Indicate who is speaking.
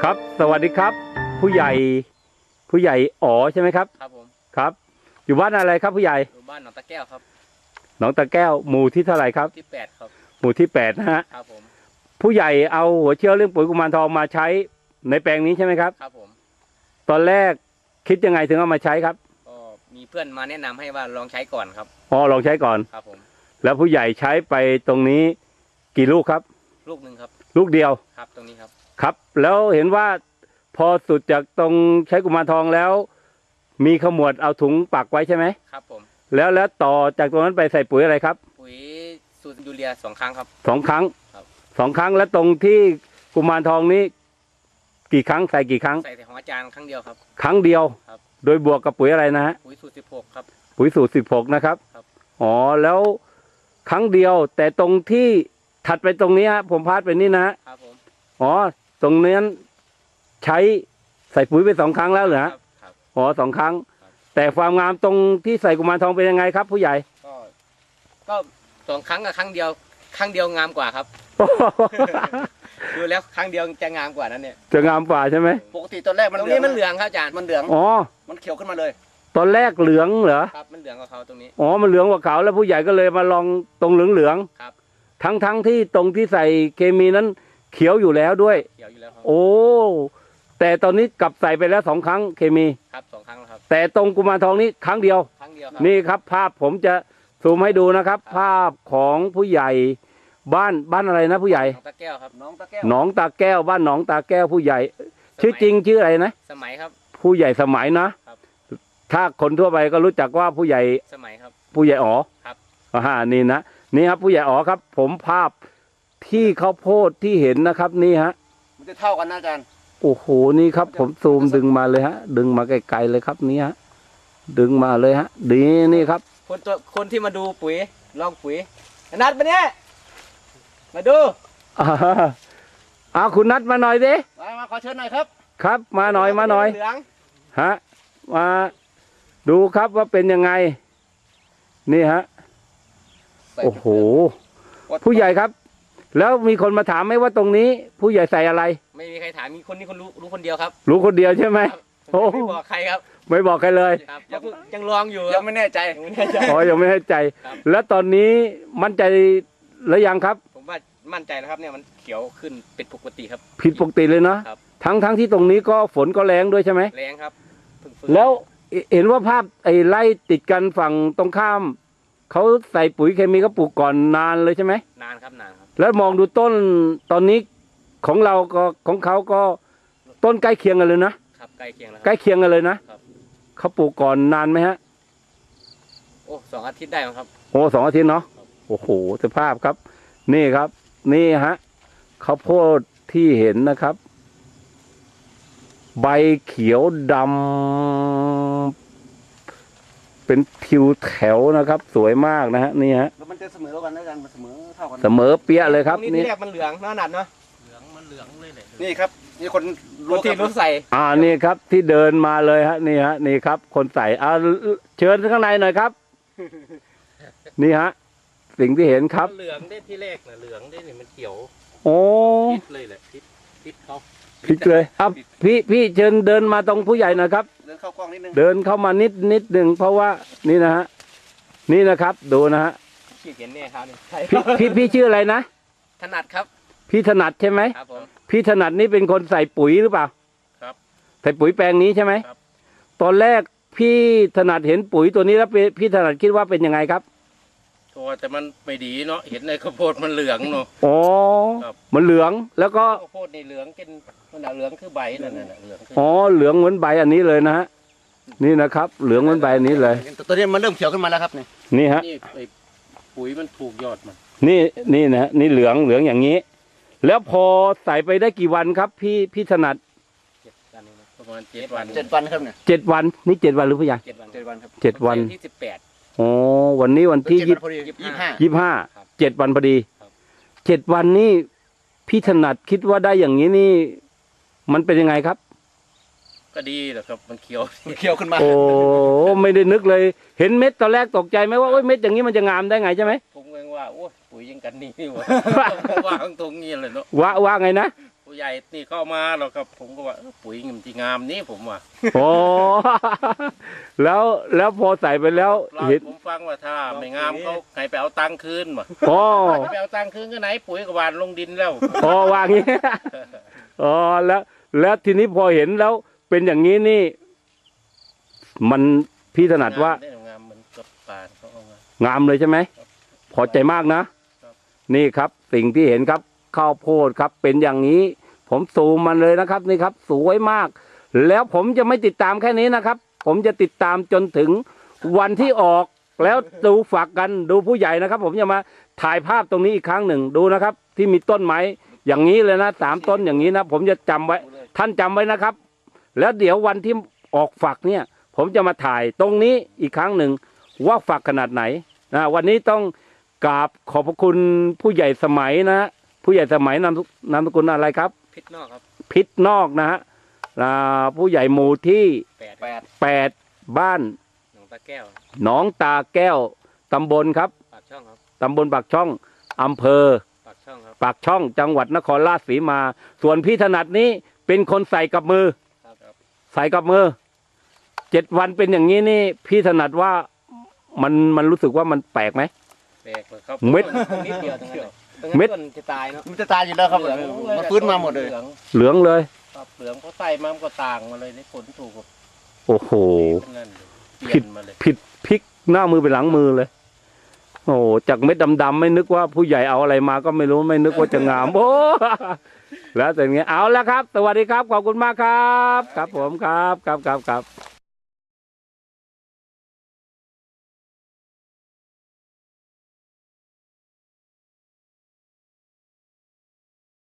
Speaker 1: ครับสวัสดีครับผู้ใหญ่อ๋อใช่ไหมครับ
Speaker 2: ครับผม
Speaker 1: ครับอยู่บ้านอะไรครับผู้ใหญ่
Speaker 2: อยู่บ้านหนองตะแก้วครับ
Speaker 1: หนองตะแก้วหมู่ที่เท่าไหร่ครับ
Speaker 2: ที่8ครับ
Speaker 1: หมู่ที่8นะฮะ
Speaker 2: ครับผม
Speaker 1: ผู้ใหญ่เอาหัวเชื้อเรื่องปุ๋ยกุมารทองมาใช้ในแปลงนี้ใช่ไหมครับ
Speaker 2: ครับผม
Speaker 1: ตอนแรกคิดยังไงถึงเอามาใช้ครับ
Speaker 2: ก็มีเพื่อนมาแนะนำให้ว่าลองใช้ก่อนครับ
Speaker 1: อ๋อลองใช้ก่อน
Speaker 2: ครับผม
Speaker 1: แล้วผู้ใหญ่ใช้ไปตรงนี้กี่ลูกครับ
Speaker 2: ลูกหนึ่งครับ
Speaker 1: ลูกเดียว
Speaker 2: ครับตรงนี้ครับ
Speaker 1: ครับแล้วเห็นว่าพอสุดจากตรงใช้กุมารทองแล้วมีขมวดเอาถุงปักไว้ใช่ไหม
Speaker 2: ครับผม
Speaker 1: แล้วต่อจากตรงนั้นไปใส่ปุ๋ยอะไรครับ
Speaker 2: ปุ๋ยสูตรยูเรีย2 ครั้งครับ
Speaker 1: 2 ครั้ง
Speaker 2: ครับ
Speaker 1: 2 ครั้งแล้วตรงที่กุมารทองนี้กี่ครั้งใส่กี่ครั้ง
Speaker 2: ใส่ของอาจารย์ครั้งเดียวครับ
Speaker 1: ครั้งเดียว
Speaker 2: ครับ
Speaker 1: โดยบวกกับปุ๋ยอะไรนะฮะ
Speaker 2: ปุ๋ยสูตร16ครับ
Speaker 1: ปุ๋ยสูตร16นะครับ
Speaker 2: ครับ
Speaker 1: อ๋อแล้วครั้งเดียวแต่ตรงที่ถัดไปตรงนี้ฮะผมพาดไปนี่นะ
Speaker 2: ครับผม
Speaker 1: อ๋อตรงนั้นใช้ใส่ปุ๋ยไป2 ครั้งแล้วเหรอฮะ
Speaker 2: ครับ
Speaker 1: อ๋อ2 ครั้งแต่ความงามตรงที่ใส่กุมารทองเป็นยังไงครับผู้ใหญ่
Speaker 2: ก็2 ครั้งกับครั้งเดียวงามกว่าครับดูแล้วครั้งเดียวจะงามกว่านั้นเนี่ย
Speaker 1: จะงามกว่าใช่ไหม
Speaker 3: ปกติตอนแรก
Speaker 2: ตรงนี้มันเหลืองครับอาจารย์
Speaker 3: มันเหลือง
Speaker 1: อ๋อ
Speaker 3: มันเขียวขึ้นมาเลย
Speaker 1: ตอนแรกเหลืองเหรอ
Speaker 2: ครับมันเหลืองกว่าเขาตรงนี้
Speaker 1: อ๋อมันเหลืองกว่าเขาแล้วผู้ใหญ่ก็เลยมาลองตรงเหลือง
Speaker 2: ครับ
Speaker 1: ทั้งที่ตรงที่ใส่เคมีนั้นเขียวอยู่แล้วด้วย
Speaker 2: เขียวอยู่แล้วครับ
Speaker 1: โอ้แต่ตอนนี้กลับใส่ไปแล้ว2 ครั้งเคมี
Speaker 2: ครับ2 ครั้งแล้วครับ
Speaker 1: แต่ตรงกุมารทองนี้ครั้งเดียว
Speaker 2: ครั้งเดียวครับ
Speaker 1: นี่ครับภาพผมจะซูมให้ดูนะครับภาพของผู้ใหญ่บ้านอะไรนะผู้ใหญ่
Speaker 2: หนองตะแก้วครับ
Speaker 3: หนองตะแก้ว
Speaker 1: หนองตาแก้วบ้านหนองตาแก้วผู้ใหญ่ชื่อจริงชื่ออะไรนะ
Speaker 2: สมัยครับ
Speaker 1: ผู้ใหญ่สมัยนะครับถ้าคนทั่วไปก็รู้จักว่าผู้ใหญ่
Speaker 2: สมัยครับ
Speaker 1: ผู้ใหญ่อ๋อ
Speaker 2: ครับ
Speaker 1: นี่นะนี่ครับผู้ใหญ่อ๋อครับผมภาพที่ข้าวโพดที่เห็นนะครับนี่ฮะ
Speaker 3: มันจะเท่ากันนะอาจารย์
Speaker 1: โอ้โหนี่ครับผมซูมดึงมาเลยฮะดึงมาไกลๆเลยครับนี่ฮะดึงมาเลยฮะดีนี่ครับ
Speaker 2: คนที่มาดูปุ๋ยลองปุ๋ยนัดมาเนี่ยมาดู
Speaker 1: คุณนัดมาหน่อยดิ
Speaker 3: มาขอเชิญหน่อยครับ
Speaker 1: ครับมาหน่อย
Speaker 2: เหลือง
Speaker 1: ฮะมาดูครับว่าเป็นยังไงนี่ฮะโอ้โหผู้ใหญ่ครับแล้วมีคนมาถามไหมว่าตรงนี้ผู้ใหญ่ใส่อะไร
Speaker 2: ไม่มีใครถามมีคนนี้รู้คนเดียวครับ
Speaker 1: รู้คนเดียวใช่ไหม
Speaker 2: โอ้ไม่บอกใครครับ
Speaker 1: ไม่บอกใครเลย
Speaker 2: ครับยังลองอยู่
Speaker 3: ยังไม่แน่ใจ
Speaker 1: อ๋อยังไม่แน่ใจแล้วตอนนี้มั่นใจหรือยังครับ
Speaker 2: ผมว่ามั่นใจแล้วครับเนี่ยมันเขียวขึ้นเป็นปกติครับ
Speaker 1: ผิดปกติเลยนะทั้งที่ตรงนี้ก็ฝนก็แรงด้วยใช่ไหม
Speaker 2: แรงครับ
Speaker 1: แล้วเห็นว่าภาพไอ้ไร่ติดกันฝั่งตรงข้ามเขาใส่ปุ๋ยเคมีก็ปลูกก่อนนานเลยใช่ไหม
Speaker 2: นานครับ
Speaker 1: แล้วมองดูต้นตอนนี้ของเราก็ของเขาก็ต้นใกล้เคียงกันเลยนะครับ
Speaker 2: ใกล้เคียงแล้ว
Speaker 1: ใกล้เคียงกันเลยนะเขาปลูกก่อนนานไหมฮะ
Speaker 2: โอ้2 อาทิตย์ได้ครับ
Speaker 1: โอ้2 อาทิตย์เนาะโอ้โหสภาพครับนี่ครับนี่ฮะข้าวโพดที่เห็นนะครับ ใบเขียวดำเป็นทิวแถวนะครับสวยมากนะฮะนี่ฮะ
Speaker 3: แล้วมันจะเสมอกันนะอาจารย์มันเสมอเท่ากัน
Speaker 1: เสมอเปี้ยเลยครับ
Speaker 2: นี่แรกมันเหลืองน่าหนัดเนาะ
Speaker 3: เหลืองเลยนี่ครับนี่คน
Speaker 2: ที่รู้ใส่
Speaker 1: นี่ครับที่เดินมาเลยฮะนี่ฮะนี่ครับคนใส่เชิญข้างในหน่อยครับนี่ฮะสิ่งที่เห็นครับ
Speaker 2: เหลืองได้ที่แรกนะเหลืองได้เนี่ยมันเขียว
Speaker 1: โอ้
Speaker 2: พิษเลยแหละพิษเขา
Speaker 1: พิษเลยครับพี่เชิญเดินมาตรงผู้ใหญ่หน่อยครับ
Speaker 3: เดินเข้ากล้องนิดนึง
Speaker 1: เดินเข้ามานิดหนึ่งเพราะว่านี่นะฮะนี่นะครับดูนะฮะ
Speaker 2: พี่เห็นเนี่ยครับ
Speaker 1: พี่ชื่ออะไรนะ
Speaker 2: ถนัดครับ
Speaker 1: พี่ถนัดใช่ไหม
Speaker 2: ครับผม
Speaker 1: พี่ถนัดนี่เป็นคนใส่ปุ๋ยหรือเปล่า
Speaker 2: ครับ
Speaker 1: ใส่ปุ๋ยแปลงนี้ใช่ไหมครับตอนแรกพี่ถนัดเห็นปุ๋ยตัวนี้แล้วพี่ถนัดคิดว่าเป็นยังไงครับ
Speaker 2: แต่มันไม่ดีเนาะเห็นในข้าวโพดมันเหลืองเนาะ
Speaker 1: อ๋อมันเหลืองแล้วก็
Speaker 2: ข้าวโพดในเหลืองเป็นมันเหลืองคือใบนั่นน่ะเหลือง
Speaker 1: อ๋อเหลืองเหมือนใบอันนี้เลยนะฮะนี่นะครับเหลืองเหมือนใบอันนี้เลย
Speaker 3: ตัวนี้มันเริ่มเขียวขึ้นมาแล้วครับ
Speaker 1: นี่ฮะ
Speaker 2: ปุ๋ยมันถูกยอดมัน
Speaker 1: นี่นะนี่เหลืองอย่างนี้แล้วพอใส่ไปได้กี่วันครับพี่ถนัด
Speaker 2: ประมาณ7 วัน
Speaker 3: ครับเนี่ย
Speaker 1: 7 วันนี่7 วันหรือพี่ใหญ่
Speaker 3: 7 วันครับ
Speaker 1: 7 วัน
Speaker 2: ที่18
Speaker 1: อ๋อวันนี้วันที่
Speaker 3: 25
Speaker 1: 7 วันพอดี7 วันนี่พี่ถนัดคิดว่าได้อย่างนี้นี่มันเป็นยังไงครับ
Speaker 2: ก็ดีแหละครับมันเขี
Speaker 3: ยวขึ้นมา
Speaker 1: โอ้ไม่ได้นึกเลยเห็นเม็ดตอนแรกตกใจไหมว่าเม็ดอย่างนี้มันจะงามได้ไงใช่ไหม
Speaker 2: ผมเองว่าโอ้ปุ๋ยยังกันนี่วะว่าตรงนี้เลยเนาะ
Speaker 1: ว่าไงนะ
Speaker 2: ปุ๋ย
Speaker 4: ผู้ใหญ่นี่เข้ามาเราก็ผมก็ว่าปุ๋ยมันที่งามนี้ผมว่า
Speaker 1: โอ้ แล้วพอใส่ไปแล้ว
Speaker 4: เล่า
Speaker 1: เห็น
Speaker 4: ผมฟังว่าถ้าไม่งามเขาให้ไปเอาตังค์คืนว่ะ
Speaker 1: อ๋อ
Speaker 4: ไปเอาตังค์คืนก็ไหนปุ๋ยก็หวานลงดินแล้ว
Speaker 1: อ๋อวางงี้ อ๋อแล้วทีนี้พอเห็นแล้วเป็นอย่างนี้นี่ มันพี่ถนัดว่า
Speaker 4: งามมันกับปานเขาเอามาง
Speaker 1: ามเลยใช่ไหม
Speaker 4: ครับ
Speaker 1: พอใจมากนะ
Speaker 4: ครับ
Speaker 1: นี่ครับ สิ่งที่เห็นครับข้าวโพดครับ เป็นอย่างนี้ ผมซูมมันเลยนะครับ นี่ครับ สวยมาก แล้วผมจะไม่ติดตามแค่นี้นะครับ ผมจะติดตามจนถึงวันที่ออก แล้วดูฝักกันดูผู้ใหญ่นะครับ ผมจะมาถ่ายภาพตรงนี้อีกครั้งหนึ่งดูนะครับ ที่มีต้นไม้อย่างนี้เลยนะ3 ต้นอย่างนี้นะผมจะจำไว้ ท่านจำไว้นะครับ แล้วเดี๋ยววันที่ออกฝักเนี่ย ผมจะมาถ่ายตรงนี้อีกครั้งหนึ่งว่าฝักขนาดไหนนะวันนี้ต้องกราบขอบพระคุณผู้ใหญ่สมัยนะฮะผู้ใหญ่สมัยนามสกุลอะไรครับ
Speaker 2: พิษนอกครับ
Speaker 1: พิษนอกนะฮะผู้ใหญ่หมู่ที่
Speaker 2: 8
Speaker 1: 8บ้าน
Speaker 2: หนองตาแก้ว
Speaker 1: หนองตาแก้วตำบลครับ
Speaker 2: ปากช่องครับ
Speaker 1: ตำบลปากช่องอำเภอ
Speaker 2: ปากช่องครับ
Speaker 1: ปากช่องจังหวัดนครราชสีมา ส่วนพี่ถนัดนี้เป็นคนใส่กับมือ
Speaker 2: ครับ
Speaker 1: ใส่กับมือ7 วันเป็นอย่างนี้นี่ พี่ถนัดว่ามันรู้สึกว่ามันแปลกไหม
Speaker 2: แปลกเลยครับ
Speaker 1: เม็ด
Speaker 2: นิดเดียวตรงนั้นเลยตรง
Speaker 1: เม็
Speaker 2: นั้น
Speaker 1: ด
Speaker 2: ต้นจะตายเนาะ
Speaker 3: มันจะตายอยู่แล้วครับ
Speaker 2: เหลือง
Speaker 3: มันฟื้นมาหมดเลย
Speaker 4: เหลือง
Speaker 1: เหลืองเลย
Speaker 4: ครับเหลืองเขาใส่มามันก็ต่างมาเลยในผลถูกกับ
Speaker 1: โอ้โห
Speaker 4: เป็นนั่นเลยเปลี่ยนมาเลย
Speaker 1: ผิดพลิกหน้ามือไปหลังมือเลย โอ้โหจากเม็ดดำๆไม่นึกว่าผู้ใหญ่เอาอะไรมาก็ไม่รู้ไม่นึกว่าจะงาม โอ้ แล้วแต่เงี้ยเอาแล้วครับ สวัสดีครับ ขอบคุณมากครับ ครับผมครับ